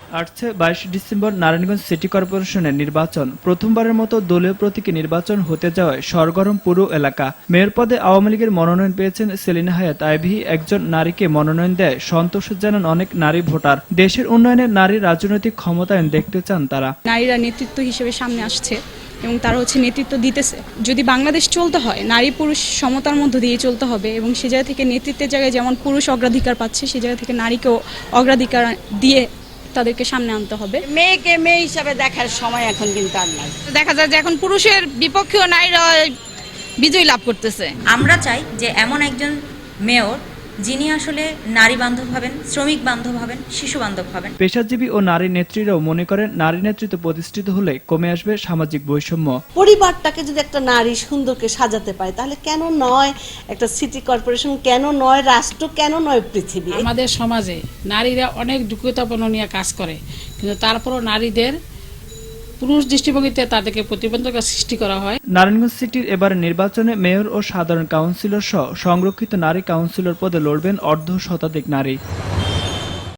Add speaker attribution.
Speaker 1: আসছে 22 December Narayanganj city কর্পোরেশনের নির্বাচন। প্রথমবারের মতো দলীয় প্রতীকে নির্বাচন হতে যাওয়ায় সরগরম পুরো এলাকা। মেয়র পদে আওয়ামী লীগের মনোনয়ন পেয়েছেন সেলিনা হায়াৎ আইভী। একজন নারীকে মনোনয়ন দেয় সন্তোষ জানান অনেক নারী ভোটার। দেশের উন্নয়নে নারীর রাজনৈতিক ক্ষমতায়ন দেখতে চান তারা।
Speaker 2: নারীরা নেতৃত্ব হিসেবে সামনে আসছে এবং তারা নেতৃত্ব দিতেছে। যদি বাংলাদেশ চলতে হয় নারী পুরুষ সমতার মধ্য দিয়ে চলতে হবে এবং সে জায়গা থেকে নেতৃত্বের জায়গায় যেমন পুরুষ অগ্রাধিকার পাচ্ছে সে জায়গা থেকে নারীকেও অগ্রাধিকার দিয়ে তাদেরকে সামনে আনতে হবে।
Speaker 3: মেয়েকে মেয়ে হিসাবে দেখার সময় এখন কিন্তু আর নাই।
Speaker 4: দেখা যায় যে এখন পুরুষের বিপক্ষেও নারীরা বিজয় লাভ করতেছে।
Speaker 5: আমরা চাই যে এমন একজন মেয়র যিনি আসলে নারী বান্ধব হবেন, শ্রমিক বান্ধব হবেন, শিশু বান্ধব হবেন।
Speaker 1: পেশাজীবী ও নারী নেত্রীরাও মনে করেন নারী নেতৃত্ব প্রতিষ্ঠিত হলে কমে আসবে সামাজিক বৈষম্য।
Speaker 6: পরিবারটাকে যদি একটা নারী সুন্দরকে সাজাতে পারে তাহলে কেন নয় একটা সিটি কর্পোরেশন, কেন নয় রাষ্ট্র, কেন নয় পৃথিবী।
Speaker 7: আমাদের সমাজে নারীরা অনেক যোগ্যতাপূর্ণ নিয়ে কাজ করে, কিন্তু তারপরও নারীদের পুরুষ দৃষ্টিভঙ্গিতে তাদেরকে প্রতিবন্ধকতা সৃষ্টি করা হয়।
Speaker 1: নারায়ণগঞ্জ সিটির এবার নির্বাচনে মেয়র ও সাধারণ কাউন্সিলর সহ সংরক্ষিত নারী কাউন্সিলর পদে লড়বেন অর্ধ শতাধিক নারী।